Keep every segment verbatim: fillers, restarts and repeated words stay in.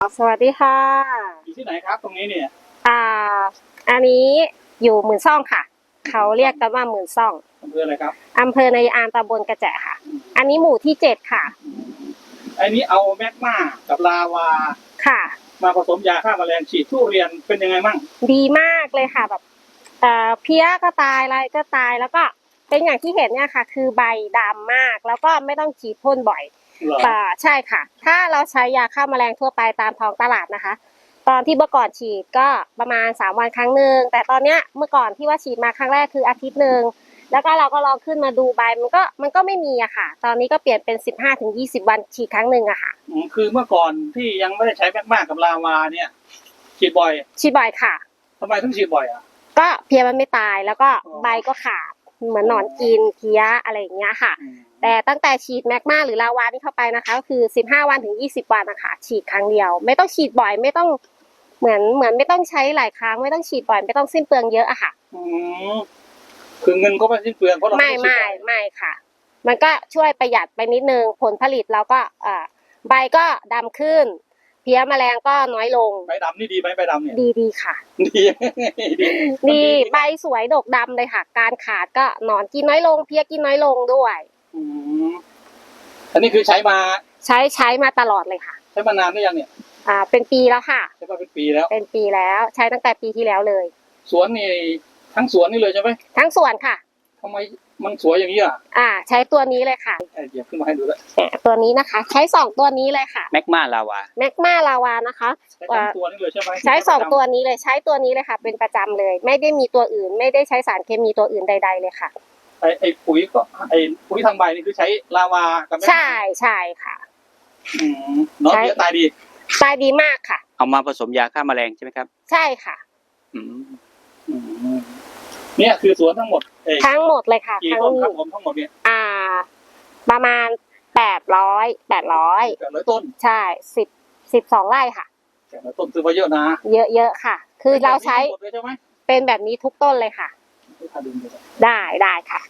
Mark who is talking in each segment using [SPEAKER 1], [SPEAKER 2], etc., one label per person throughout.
[SPEAKER 1] สวัสดีค่ะ
[SPEAKER 2] อยู่ที่ไหนครับตรงนี้เนี่ย
[SPEAKER 1] อ่าอันนี้อยู่หมื่นซ่องค่ะ เขาเรียกกันว่าหมื่นซ่อง
[SPEAKER 2] อำเภออะไรครับ
[SPEAKER 1] อำเภอในอามตำบลกระแจค่ะ อันนี้หมู่ที่เจ็ดค่ะ
[SPEAKER 2] ไอ้นี้เอาแมกมากับลาวา
[SPEAKER 1] ค่ะ
[SPEAKER 2] มาผสมยาฆ่าแมลงฉีดทุเรียนเป็นยังไงมั่ง
[SPEAKER 1] ดีมากเลยค่ะแบบเอ่อเพี้ยก็ตายอะไรก็ตายแล้วก็เป็นอย่างที่เห็นเนี่ยค่ะ คือใบดำมากแล้วก็ไม่ต้องฉีดพ่นบ่อยอ่าใช่ค่ะ ถ้าเราใช้ยาฆ่าแมลงทั่วไปตามท้องตลาดนะคะ ตอนที่เมื่อก่อนฉีดก็ประมาณสามวันครั้งหนึ่งแต่ตอนเนี้ยเมื่อก่อนที่ว่าฉีดมาครั้งแรกคืออาทิตย์หนึ่งแล้วก็เราก็ลองขึ้นมาดูใบมันก็มันก็ไม่มีอะค่ะ ตอนนี้ก็เปลี่ยนเป็นสิบห้าถึงยี่สิบวันฉีดครั้งหนึ่งอะค่ะ
[SPEAKER 2] คือเมื่อก่อนที่ยังไม่ได้ใช้แมกมากับลาวาเนี่ยฉีดบ่อย
[SPEAKER 1] ฉีดบ่อยค่ะ
[SPEAKER 2] ทำไมถึงฉีดบ่อยอ่ะ
[SPEAKER 1] ก็เพี้ยมันไม่ตายแล้วก็ใบก็ขาดเหมือนหนอนกินเพี้ยอะไรอย่างเงี้ยค่ะแต่ตั้งแต่ฉีดแมกมาหรือลาวานี่เข้าไปนะคะก็คือสิบห้าวันถึงยี่สิบวันนะคะฉีดครั้งเดียวไม่ต้องฉีดบ่อยไม่ต้องเหมือนเหมือนไม่ต้องใช้หลายครั้งไม่ต้องฉีดบ่อยไม่ต้องสิ้นเปลืองเยอะอะค่ะ
[SPEAKER 2] อืมคือเงินก็ไม่สิ้นเปลืองเพราะเรา
[SPEAKER 1] ไม่ไม่ไม่ค่ะมันก็ช่วยประหยัดไปนิดนึงผลผลิตเราก็เอ่อใบก็ดำขึ้นเพี้ยแมลงก็น้อยลง
[SPEAKER 2] ใบดำนี่ดีไหมใบดำเนี่ย
[SPEAKER 1] ดีดีค่ะ
[SPEAKER 2] ดีดี
[SPEAKER 1] ดีใบสวยดกดำเลยค่ะการขาดก็หนอนกินน้อยลงเพี้ยกินน้อยลงด้วย
[SPEAKER 2] อืมอันนี้คือใช้มา
[SPEAKER 1] ใช้ใช้มาตลอดเลยค่ะ
[SPEAKER 2] ใช้มานานหรือยังเนี่ย
[SPEAKER 1] อ่าเป็นปีแล้วค่ะ
[SPEAKER 2] ใช้มาเป็นปีแล้ว
[SPEAKER 1] เป็นปีแล้วใช้ตั้งแต่ปีที่แล้วเลย
[SPEAKER 2] สวนนี่ทั้งสวนนี่เลยใช่ไหม
[SPEAKER 1] ทั้งสวนค่ะ
[SPEAKER 2] ทำไมมันสวยอย่างนี้อ่ะ
[SPEAKER 1] อ่าใช้ตัวนี้เลยค่ะ
[SPEAKER 2] เดี๋ยวขึ้นมาให้ดูแล้ว
[SPEAKER 1] ตัวนี้นะคะใช้สองตัวนี้เลยค่ะ
[SPEAKER 3] แมกมาลาวา
[SPEAKER 1] แมกมาลาวานะคะ
[SPEAKER 2] ใช้สองตัวนี้เลยใช่ไหม
[SPEAKER 1] ใช้สองตัวนี้เลยใช้ตัวนี้เลยค่ะเป็นประจำเลยไม่ได้มีตัวอื่นไม่ได้ใช้สารเคมีตัวอื่นใดๆเลยค่ะ
[SPEAKER 2] ไอไอปุ๋ยก็ไอปุ๋ยทางใบนี่คือใช้ลาวากับแมกมา
[SPEAKER 1] ใช่ใช่ค่ะ
[SPEAKER 2] อืมน้องเพี้ยตายดี
[SPEAKER 1] ตายดีมากค่ะ
[SPEAKER 3] เอามาผสมยาฆ่าแมลงใช่ไหมครับ
[SPEAKER 1] ใช่ค่ะ
[SPEAKER 3] อืม
[SPEAKER 2] อืมเนี่ยคือสวนทั้งหมด
[SPEAKER 1] ทั้งหมดเลยค่ะ
[SPEAKER 2] กี่ต้นครับผมทั้งหมดเนี่ย
[SPEAKER 1] อ่าประมาณแปดร้อยแปดร้อย
[SPEAKER 2] แปดร้อยต้น
[SPEAKER 1] ใช่สิบสิบสองไร่ค่ะ
[SPEAKER 2] แปดร้อยต้นซื้อมาเยอะนะ
[SPEAKER 1] เยอะๆค่ะคือเราใช้เป็นแบบนี้ทุกต้นเลยค่ะได้ได้ค่ะ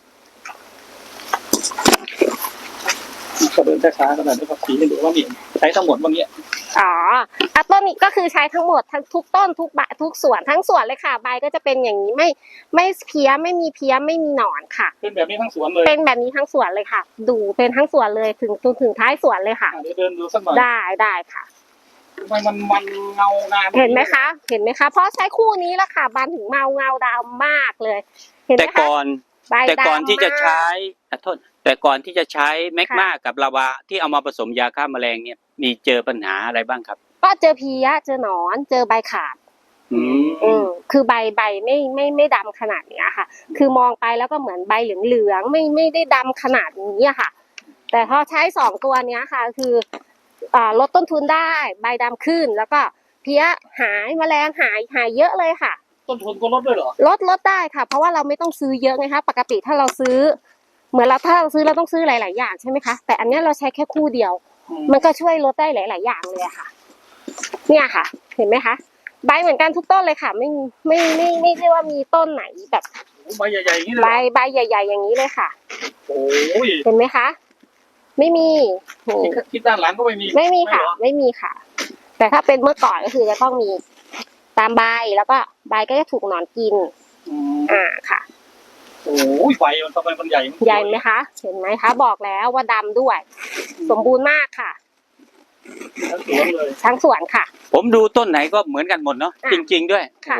[SPEAKER 2] ก็เดินช้าๆกันหน่อยนะครับสีให้ดูว่ามีใช้ทั้งหมดว่างี้
[SPEAKER 1] อ๋ออะต้นนี้ก็คือใช้ทั้งหมดทั้งทุกต้นทุกใบทุกส่วนทั้งส่วนเลยค่ะใบก็จะเป็นอย่างนี้ไม่ไม่เพี้ยไม่มีเพี้ยไม่มีหนอนค่ะ
[SPEAKER 2] เป็นแบบนี้ทั้งสวนเลย
[SPEAKER 1] เป็นแบบนี้ทั้งสวนเลยค่ะดูเป็นทั้งสวนเลยถึงจนถึงท้ายสวนเลยค่ะ
[SPEAKER 2] เดี๋ยวเดินดูสักหน่อย
[SPEAKER 1] ได้ได้ค่ะ
[SPEAKER 2] ทำไมมันมันเงางาม
[SPEAKER 1] เห็นไหมคะเห็นไหมคะเพราะใช้คู่นี้แหละค่ะบานถึงเมาเงาดำมากเลยเห็นไหมคะ
[SPEAKER 3] แต่ก่อนแต่ก่อนที่จะใช้โทษแต่ก่อนที่จะใช้แมกมากับลาวาที่เอามาผสมยาฆ่าแมลงเนี่ยมีเจอปัญหาอะไรบ้างครับ
[SPEAKER 1] ก็เจอเพี้ยเจอหนอนเจอใบขาด
[SPEAKER 3] อืม
[SPEAKER 1] อืมคือใบใบไม่ไม่ไม่ดำขนาดนี้ค่ะคือมองไปแล้วก็เหมือนใบเหลืองๆไม่ไม่ได้ดำขนาดนี้ค่ะแต่พอใช้สองตัวเนี้ยค่ะคืออ่าลดต้นทุนได้ใบดำขึ้นแล้วก็เพี้ยหายแมลงหายหายเยอะเลยค่ะ
[SPEAKER 2] ต้นทุนก็ลดด้วยเหรอ
[SPEAKER 1] ลดลดได้ค่ะเพราะว่าเราไม่ต้องซื้อเยอะไงคะปกติถ้าเราซื้อเหมือนเราถ้าเราซื้อเราต้องซื้อหลายๆอย่างใช่ไหมคะแต่อันนี้เราใช้แค่คู่เดียวมันก็ช่วยลดได้หลายๆอย่างเลยค่ะเนี่ยค่ะเห็นไหมคะใบเหมือนกันทุกต้นเลยค่ะไม่ไม่ไม่ไม่ได้ว่ามีต้นไหนแบบ
[SPEAKER 2] ใบใหญ่ๆอย่างนี้เลย
[SPEAKER 1] ใบใบใหญ่ๆอย่างนี้เลยค่ะ
[SPEAKER 2] โอ้ย
[SPEAKER 1] เห็นไหมคะไม่มี
[SPEAKER 2] คิดด้านหลังก็ไม่มี
[SPEAKER 1] ไม่มีค่ะไม่มีค่ะแต่ถ้าเป็นเมื่อก่อนก็คือจะต้องมีตามใบแล้วก็ใบก็จะถูกหนอนกินอ่าค่ะ
[SPEAKER 2] โอ้ยใบมันทำไมมันใหญ่
[SPEAKER 1] ใหญ่ไหมคะเห็นไหมคะบอกแล้วว่าดำด้วยสมบูรณ์มากค่ะ
[SPEAKER 2] ทั้งสวนเลย
[SPEAKER 1] ทั้งสวนค่ะ
[SPEAKER 3] ผมดูต้นไหนก็เหมือนกันหมดเนาะจริงๆด้วย
[SPEAKER 1] ค่ะ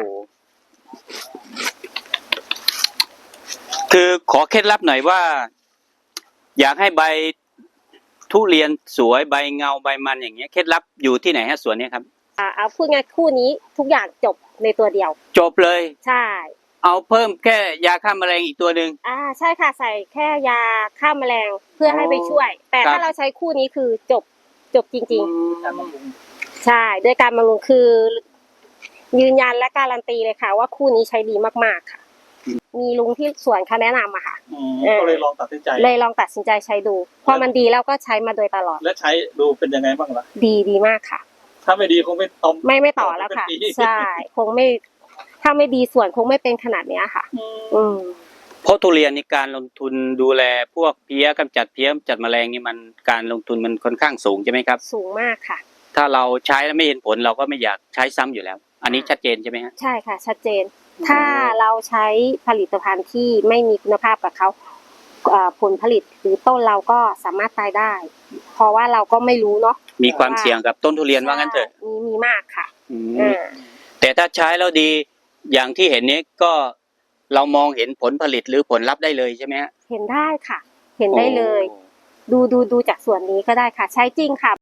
[SPEAKER 3] คือขอเคล็ดลับหน่อยว่าอยากให้ใบทุเรียนสวยใบเงาใบมันอย่างเงี้ยเคล็ดลับอยู่ที่ไหนฮะสวนนี้ครับ
[SPEAKER 1] อ่าเอาพูดง่ายคู่นี้ทุกอย่างจบในตัวเดียว
[SPEAKER 3] จบเลย
[SPEAKER 1] ใช่
[SPEAKER 3] เอาเพิ่มแค่ยาฆ่าแมลงอีกตัวหนึ่ง
[SPEAKER 1] อ่าใช่ค่ะใส่แค่ยาฆ่าแมลงเพื่อให้ไปช่วยแต่ถ้าเราใช้คู่นี้คือจบจบจริงๆใช่ด้วยการบำรุงคือยืนยันและการันตีเลยค่ะว่าคู่นี้ใช้ดีมากๆค่ะมีลุงที่สวนเขาแนะนำอะค่ะ
[SPEAKER 2] ก็เลยลองตัดสินใจ
[SPEAKER 1] เลยลองตัดสินใจใช้ดูพอมันดีแล้วก็ใช้มาโดยตลอด
[SPEAKER 2] และใช้ดูเป็นยังไงบ้างล่ะ
[SPEAKER 1] ดีดีมากค่ะ
[SPEAKER 2] ถ้าไม่ดีคงไม่ต่อ
[SPEAKER 1] ไม่ไม่ต่อแล้วค่ะใช่คงไม่ถ้าไม่ดีส่วนคงไม่เป็นขนาดนี้ค่ะอืม
[SPEAKER 3] เพราะทุเรียนในการลงทุนดูแลพวกเพี้ยกำจัดเพี้ยกำจัดแมลงนี่มันการลงทุนมันค่อนข้างสูงใช่ไหมครับ
[SPEAKER 1] สูงมากค่ะ
[SPEAKER 3] ถ้าเราใช้แล้วไม่เห็นผลเราก็ไม่อยากใช้ซ้ำอยู่แล้ว อันนี้ชัดเจนใช่ไหมฮะ
[SPEAKER 1] ใช่ค่ะชัดเจน ถ้าเราใช้ผลิตภัณฑ์ที่ไม่มีคุณภาพกับเขาเอ่อผลผลิตหรือต้นเราก็สามารถตายได้ เพราะว่าเราก็ไม่รู้เนาะ
[SPEAKER 3] มีความเสี่ยงกับต้นทุเรียนว่างั้นเถอะ
[SPEAKER 1] มีมีมากค่ะ
[SPEAKER 3] อืม
[SPEAKER 1] อ่า
[SPEAKER 3] แต่ถ้าใช้แล้วดีอย่างที่เห็นนี้ก็เรามองเห็นผลผลิตหรือผลลัพธ์ได้เลยใช่ไหมฮะ
[SPEAKER 1] เห็นได้ค่ะ เห็นได้เลย
[SPEAKER 3] โอ้
[SPEAKER 1] ดูดูดูจากส่วนนี้ก็ได้ค่ะ ใช้จริงค่ะ